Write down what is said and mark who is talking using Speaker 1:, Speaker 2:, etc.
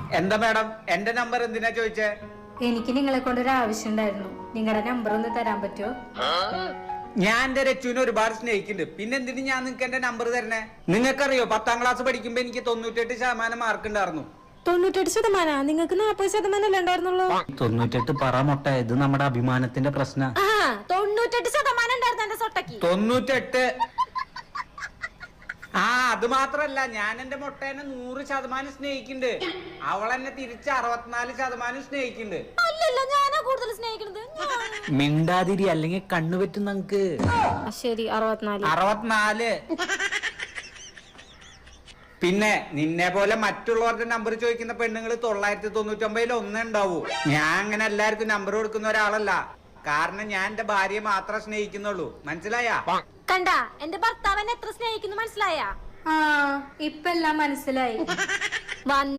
Speaker 1: എന്താ മാഡം എന്റെ നമ്പർ എന്തിനാ ചോദിച്ചേ?
Speaker 2: എനിക്ക് നിങ്ങളെ കൊണ്ടൊരു ആവശ്യം ഉണ്ടായിരുന്നു. നിങ്ങളുടെ നമ്പർ ഒന്ന് തരാൻ പറ്റുമോ?
Speaker 1: ഞാൻ എന്റെ രച്ചുവിനെ ഒരുപാട് സ്നേഹിക്കുന്നുണ്ട്. പിന്നെ എന്തിനു ഞാൻ നിങ്ങൾക്ക് എന്റെ നമ്പർ തരണേ? നിങ്ങൾക്കറിയോ 10ാം ക്ലാസ് പഠിക്കുമ്പോ എനിക്ക് 98% മാർക്ക് ഉണ്ടായിരുന്നു.
Speaker 2: 98%? നിങ്ങൾക്ക് 40% അല്ലേ ഉണ്ടായിരുന്നുള്ളൂ?
Speaker 1: 98 പറ മൊട്ട, ഇത് നമ്മുടെ അഭിമാനത്തിന്റെ പ്രശ്ന.
Speaker 2: 98% ഉണ്ടായിരുന്നു എന്റെ സൊട്ടക്ക്.
Speaker 1: 98. ആ അത് മാത്രല്ല, ഞാൻ എന്റെ മൊട്ടേനെ 100% സ്നേഹിക്കുന്നുണ്ട്. അവളെന്നെ തിരിച്ച് 64% സ്നേഹിക്കുന്നുണ്ട്.
Speaker 2: അല്ലല്ലോ, ഞാനാ കൂടുതൽ സ്നേഹിക്കുന്നത്.
Speaker 1: മിണ്ടാതിരി, അല്ലെങ്കിൽ കണ്ണുപറ്റും നമുക്ക്.
Speaker 2: ശരി,
Speaker 1: 64. പിന്നെ നിന്നെ പോലെ മറ്റുള്ളവരുടെ നമ്പർ ചോദിക്കുന്ന പെണ്ണുങ്ങൾ 999 ഒന്നേ ഉണ്ടാവൂ. ഞാൻ അങ്ങനെ എല്ലാവർക്കും നമ്പർ കൊടുക്കുന്ന ഒരാളല്ല. കാരണം ഞാൻ എന്റെ ഭാര്യയെ മാത്രമേ സ്നേഹിക്കുന്നുള്ളൂ. മനസ്സിലായാ?
Speaker 2: കണ്ട, എന്റെ ഭർത്താവിനെ എത്ര സ്നേഹിക്കുന്നു മനസ്സിലായാ? ഇപ്പൊ എല്ലാം മനസ്സിലായി.